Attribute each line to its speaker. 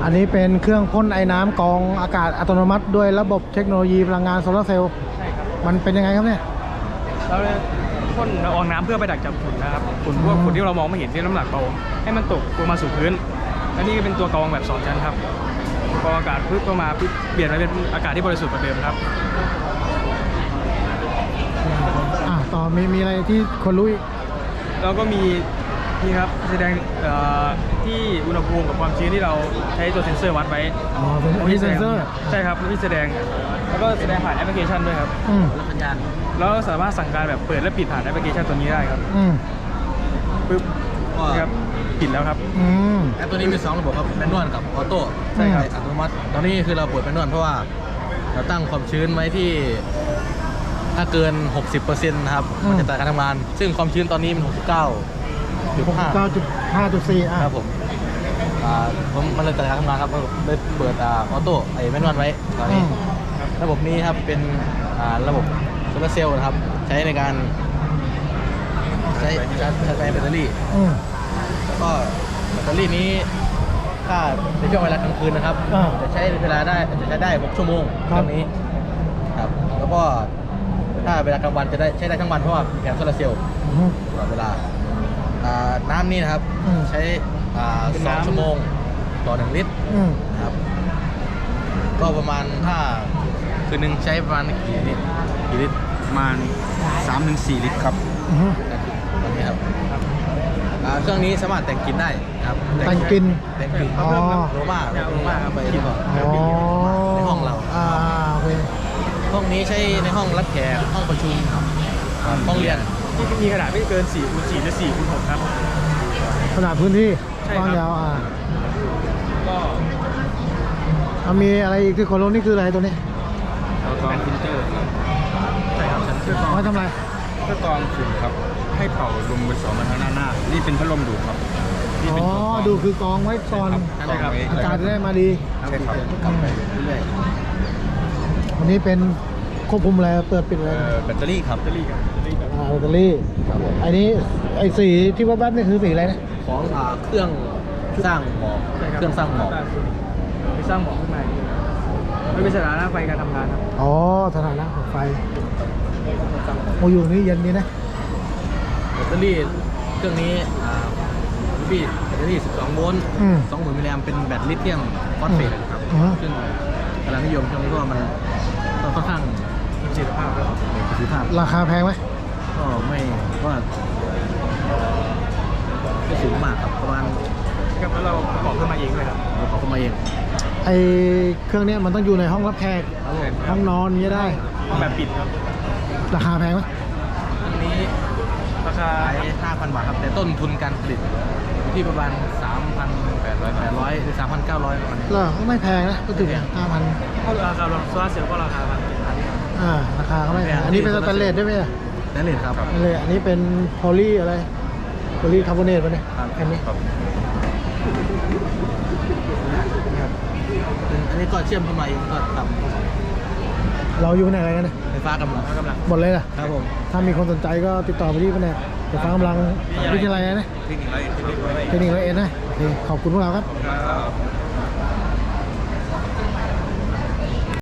Speaker 1: อันนี้เป็นเครื่องพ่นไอ้น้ำกรองอากาศอัตโนมัติด้วยระบบเทคโนโลยีพลังงานโซลาร์เซลล์
Speaker 2: ใช่ครับ
Speaker 1: มันเป็นยังไงครับเนี่ย
Speaker 2: เราพ่นละอองน้ำเพื่อไปดักจับฝุ่นนะครับฝุ่นพวกฝุ่นที่เรามองไม่เห็นที่น้ำหนักเบาให้มันตกลงมาสู่พื้นและนี่ก็เป็นตัวกรองแบบ2ชั้นครับกรองอากาศพึ่งเข้ามาเปลี่ยนมาเป็นอากาศที่บริสุทธิ์กว่าเดิมครับ
Speaker 1: ต่อมีอะไรที่คนรู้อีก
Speaker 2: เราก็มีนี่ครับแสดงที่อุณหภูมิกับความชื้นที่เราใช้ตัวเซ็นเซอร์วัดไว้
Speaker 1: เป็นเซ็นเซอร์
Speaker 2: ใช่ครับที่แสดงแล้วก็แสดงผ่านแอปพลิเคชันด้วยครับ
Speaker 3: สัญญาณ
Speaker 2: แล้วสามารถสั่งการแบบเปิดและปิดผ่านแอปพลิเคชันตัวนี้ได้ครับปึ๊บครับปิดแล้วครับ
Speaker 3: แอปตัวนี้มี2ระบบครับแมนนวลกับออโต้ใช่ครับอัตโนมัติตอนนี้คือเราเปิดแมนนวลเพราะว่าเราตั้งความชื้นไว้ที่ถ้าเกิน 60% นะครับมันจะตัดการทำงานซึ่งความชื้นตอนนี้มัน
Speaker 1: 69.5.4
Speaker 3: ครับผมมันเลยตัดการทำงานครับเลยเปิดออโต้ไอ้แมนนวลไว้ตอนนี้ระบบนี้ครับเป็นระบบโซลาร์เซลล์นะครับใช้ในการใช้แบตเตอรี่แล้วก็แบตเตอรี่นี้ถ้าในช่วงเวลากลางคืนนะครับจะใช้เวลาได้จะใช้ได้6 ชั่วโมงตรงนี้ครับแล้วก็ถ้าเวลากลางวันจะได้ใช้ได้ทั้งวันเพราะว่าแผงโซลาร์เซลล์ตลอดเวลาน้ำนี่นะครับใช้2 ชั่วโมงต่อ1 ลิตรครับก็ประมาณถ้าคืนนึงใช้ประมาณกี่ลิตร
Speaker 2: ประมาณ 3-4 ลิตรครับ
Speaker 3: ตอนนี้ครับเครื่องนี้สามารถแต่งกลิ่นได้ครับ
Speaker 1: แต่งกลิ่น
Speaker 3: โรม่าครับไปที่ในห้องเรา
Speaker 1: โอเค
Speaker 3: ห้องนี้ใช้ในห้องรับแขกห้องประชุมห้องเรียน
Speaker 2: ที่มีขนาดไม่เกิน4x4 หรือ4x6ครับ
Speaker 1: ขนาดพื้นที่กว้างยาวก็มีอะไรอีกที่คนรู้นี่คืออะไรตัวนี้
Speaker 2: กรองฟิลเตอร์ใช่ครับชั้นเครื่องกรอง
Speaker 1: ไว้ทำอะไร
Speaker 2: เครื่องกรองฝุ่นครับให้เป่าลมไป2 มาทางหน้านี่เป็นพัดลมดูดครับ
Speaker 1: ดูคือกองไว้ก่อนอากาศจะได้มาดี
Speaker 2: ใช่ครับ
Speaker 3: กลับไปเรื่อย
Speaker 1: อันนี้เป็นควบคุมอะไรเปิดปิดอะไร
Speaker 3: แบตเตอรี่ครับ
Speaker 1: แบตเตอรี่อันนี้ไอ้สีที่ว่าบัตนี่คือสีอะไรนะ
Speaker 3: ของเครื่องสร้างหมอกเครื่องสร้างหมอก
Speaker 2: ไปสร้างหมอกขึ้นมาไม่เป็นสถานะไฟการทำงานครับ
Speaker 1: สถานะของไฟโมอยู่นี่เย็นดีนะ
Speaker 3: แบตเตอรี่เครื่องนี้พี่แบตเตอรี่12 โวลต์ 20,000 มิลลิแอมเป็นแบตลิเธียมฟอสเฟตครับซึ่งกำลังนิยมช่วงนี้เพราะว่ามันค่อนข้าง
Speaker 2: ประสิทธิภาพ
Speaker 1: ราคาแพงไหม
Speaker 3: ก็ไม่ก็สูงมากครับประมาณ
Speaker 2: ครับแล้วเราประกอบขึ้นมาเองเลยครับ
Speaker 3: ประกอบขึ้นมาเอง
Speaker 1: ไอเครื่องนี้มันต้องอยู่ในห้องรับแขกห้องนอนนี้ได้
Speaker 2: ห้องแบบปิดครับ
Speaker 1: ราคาแพงไหม
Speaker 3: อันนี้ราคา 5,000 บาทครับแต่ต้นทุนการผลิตที่ประมาณ 3,800 หรือ 3,900 ประมาณนี้
Speaker 1: ก็ไม่แพงนะก็ถึง 5,000
Speaker 2: ก็ราคาโซลาร์เซลล์ก็ราคา
Speaker 1: ราคาก็ไม่แพงอันนี้เป็นสแตนเลสได้ไหม
Speaker 3: สแตนเลสครับ
Speaker 1: อันนี้เป็นโพลีอะไรโพลีคาร์บอเนตป่ะเนี่ยอันนี้
Speaker 3: อันนี้ก็เชื่อมเข้ามาเองก็ทำ
Speaker 1: เราอยู่ไหนอะไรกันเนี่ย
Speaker 3: ไฟฟ้ากำลัง
Speaker 1: หมดเลยนะครับผมถ้ามีคนสนใจก็ติดต่อไปที่แผนกไฟฟ้ากำลังวิทยาลัยนะ
Speaker 3: เทคนิค101
Speaker 1: นะขอบคุณพวกเราครับ